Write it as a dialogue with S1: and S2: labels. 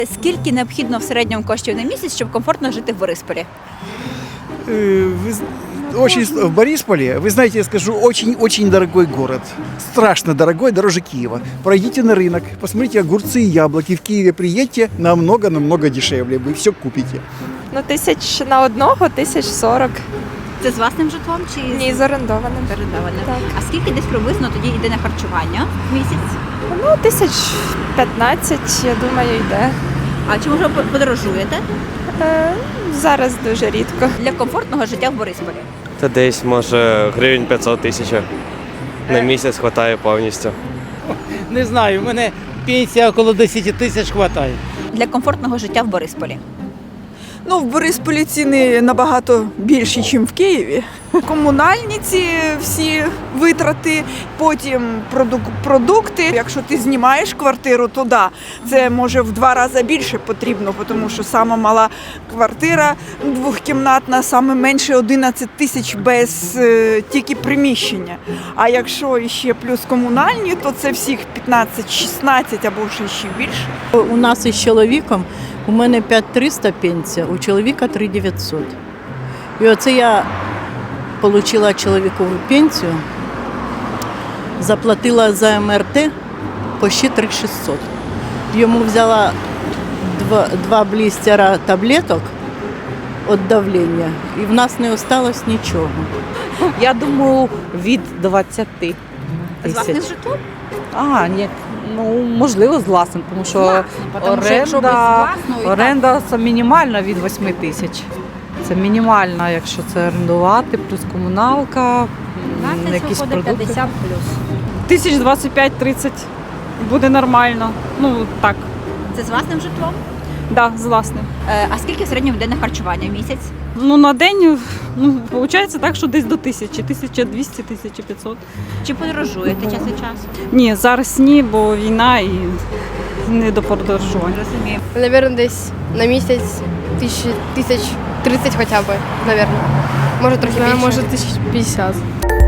S1: Скільки необхідно в середньому коштів на місяць, щоб комфортно жити в Борисполі?
S2: В Борисполе, вы знаете, я скажу, очень-очень дорогой город. Страшно дорогой, дороже Киева. Пройдите на рынок, посмотрите огурцы и яблоки. В Киеве приедьте, намного-намного дешевле. Вы все купите.
S3: Ну, 1000 на одного, 1040.
S1: Це з власним житлом чи
S3: Ні, з орендованим.
S1: орендованим?
S3: Так.
S1: А скільки десь приблизно тоді йде на харчування в місяць?
S3: Ну, 1015, я думаю, йде.
S1: А чи може ви подорожуєте
S3: Зараз дуже рідко.
S1: для комфортного життя в Борисполі?
S4: Та десь, може, гривень 500-1000 на місяць вистачає повністю.
S5: Не знаю, у мене пенсія около 10 тисяч вистачає.
S1: Для комфортного життя в Борисполі.
S6: Ну, в Борисполі ціни набагато більші, ніж в Києві. Комунальні ці всі витрати, потім продукти. Якщо ти знімаєш квартиру, то да, це може в 2 рази більше потрібно, тому що сама мала квартира двохкімнатна, саме менше 11 тисяч без тільки приміщення. А якщо ще плюс комунальні, то це всіх 15-16 або ще більше.
S7: У нас із чоловіком, у мене 5300 пенсія, у чоловіка 3900. І оце я отримала чоловікову пенсію, заплатила за МРТ почти 3600. Йому взяла 2 блістера таблеток від давлення, і в нас не залишилось нічого.
S8: Я думаю, від 20
S1: З власним
S8: тисяч.
S1: житлом?
S8: Ні, ну можливо з власним, тому що
S1: Тому що якщо без власного, і
S8: оренда це мінімальна від 8 тисяч. Це мінімальна, якщо це орендувати, плюс комуналка,
S1: так,
S8: якісь
S1: виходить
S8: продукти.
S1: 50 плюс.
S9: 1025-30 буде нормально. Ну так,
S1: Це з власним житлом?
S9: да, з власним.
S1: А скільки в середньому йде на харчування в місяць?
S9: Ну на день, ну виходить так, що десь до 1000, 1200, 1500.
S1: Чи подорожуєте час від часу?
S9: Ні, зараз ні, бо війна і не до подорожування.
S1: Розумію.
S10: Наверное, десь на місяць 1030 хоча б, наверное. Може трохи більше.
S3: Може 1050.